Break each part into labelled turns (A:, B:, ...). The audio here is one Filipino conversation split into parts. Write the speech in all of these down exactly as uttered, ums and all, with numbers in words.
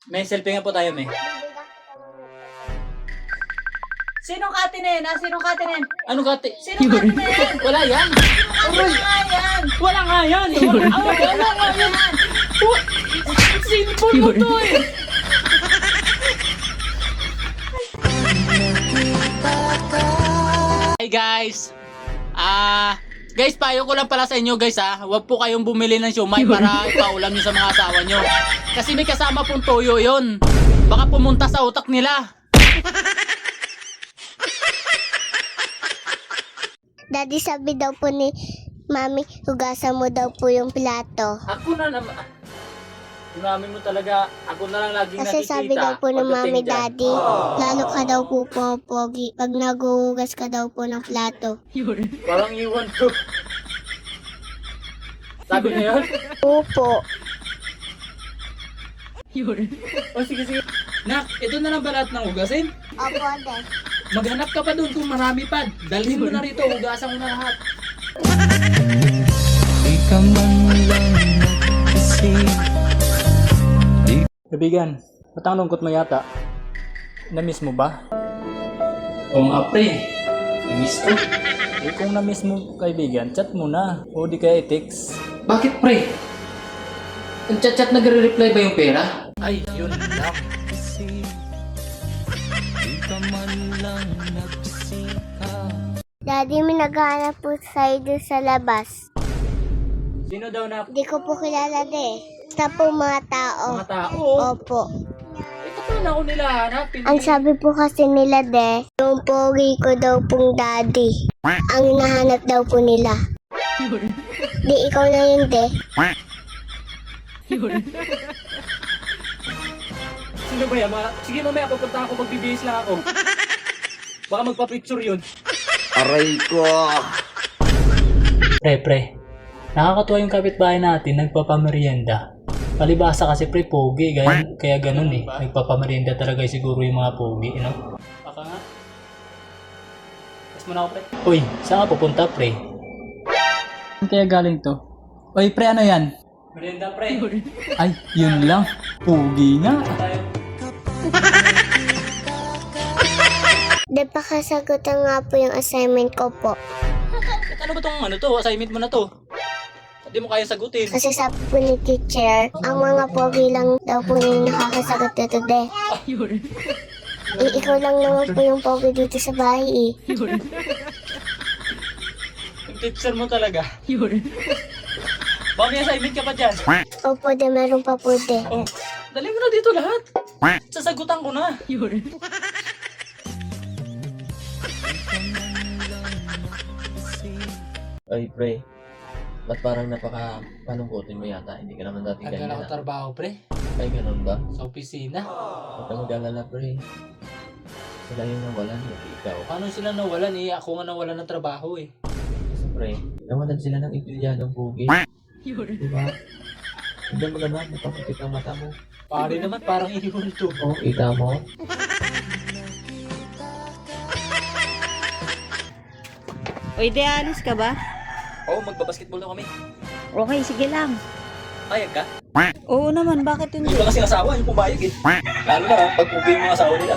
A: May selfie nga po tayo, may.
B: Sinong kate na yan? Ah, sinong kate na yan?
A: Ano kati?
B: Sinong kate na yan?
A: Wala yan.
B: Wala nga yan.
A: Wala nga yan. Wala, ah, wala nga yan. Sinipon mo to eh. Hey guys. Ah, guys, payo ko lang pala sa inyo guys ah. Huwag po kayong bumili ng siomay para ipaulam nyo sa mga asawa nyo. Kasi may kasama pong toyo yon. Baka pumunta sa utak nila.
C: Daddy, sabi daw po ni Mami, hugasan mo daw po yung plato.
A: Ako na naman. Mami mo talaga, ako na lang laging
C: Kasi
A: nakikita.
C: sabi daw po ng
A: pagdating
C: Mami,
A: dyan.
C: Daddy, lalo ka daw po pogi pag naguhugas ka daw po ng plato.
A: Parang iwan ko. Sabi na yun?
C: Opo.
A: O sige, sige. Nak, ito na lang ba lahat ng hugasin?
C: Opo, Dad.
A: Maghanap ka pa doon kung marami pa. Dalhin mo na rito, hugasan mo na lahat. Kaibigan, ba't ang lungkot mo yata? Na-miss mo ba? Oo nga pre, na-miss ko. Eh kung na-miss mo kaibigan, chat mo na. O di kaya i-text. Bakit pre? Ang chat-chat nagre-reply ba yung pera? Ay, yun lang.
C: Daddy, may naghahanap po sa'yo doon sa labas.
A: Sino daw na
C: Di ko po kilala de. Basta po mga tao.
A: mga tao?
C: Opo.
A: Ito pa na ako nila hanapin.
C: Ang sabi po kasi nila de, yung pogi ko daw pong daddy. Ang hinahanap daw po nila. Di ikaw na yun de.
A: Sino ba yan? Mga... Sige mamaya, pupunta ako, magbibihis lang ako. Baka magpa-picture yun.
D: Aray ko!
A: Pre, pre. Nakakatuwa yung kapitbahay natin, nagpapamerienda. Palibasa kasi pre, pogi. Kaya, kaya ganun eh. Nagpapamerienda talaga siguro yung mga pogi, you know? Baka nga. Mas muna ako, pre. Uy, saan ka pupunta, pre? Saan kaya galing to? Uy, pre, ano yan? Merienda, pre. Ay, yun lang. Pogi nga.
C: De, pakasagutan nga po yung assignment ko po.
A: Ano ba tong ano to? Assignment mo na to. Hindi mo kaya sagutin.
C: Kasi sabi po ni teacher, ang mga pogi lang daw po yung nakakasagot dito de. Eh, ikaw lang naman po yung pogi dito sa bahay eh.
A: Yung teacher mo talaga. Baka may assignment ka pa dyan.
C: Opo de, meron pa po de.
A: Oh, dali mo na dito lahat. Sasagutan ko na.
D: Ay, pre. Ba't parang napaka-palungkotin mo yata? Hindi ka naman dati
A: Tagal ako
D: ganyan.
A: trabaho, pre.
D: Ay, ganun ba?
A: Sa opisina.
D: Huwag ka mag-alala, pre. Sila yung nawalan, hindi ikaw.
A: Paano sila nawalan eh? Ako nga nawalan ng trabaho eh.
D: Kasi, pre, nawalan sila ng empleyadong pugi. Diba? Hindi mo naman, napapakit ang mata mo.
A: Pare naman, parang iwan to.
D: Oo, kita mo.
B: Uy, de, alis ka ba?
A: Oo, oh, magbabasketball na kami.
B: Okay, sige lang.
A: Payag ka?
B: Oo naman, bakit hindi?
A: Yung ba kasi asawa, yung pumayag eh. Lalo na, pag pugi yung mga asawa nila.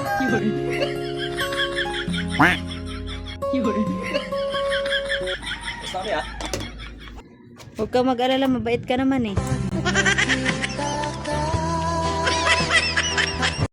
A: Basta kami ah.
B: Huwag ka mag-alala, mabait ka naman eh.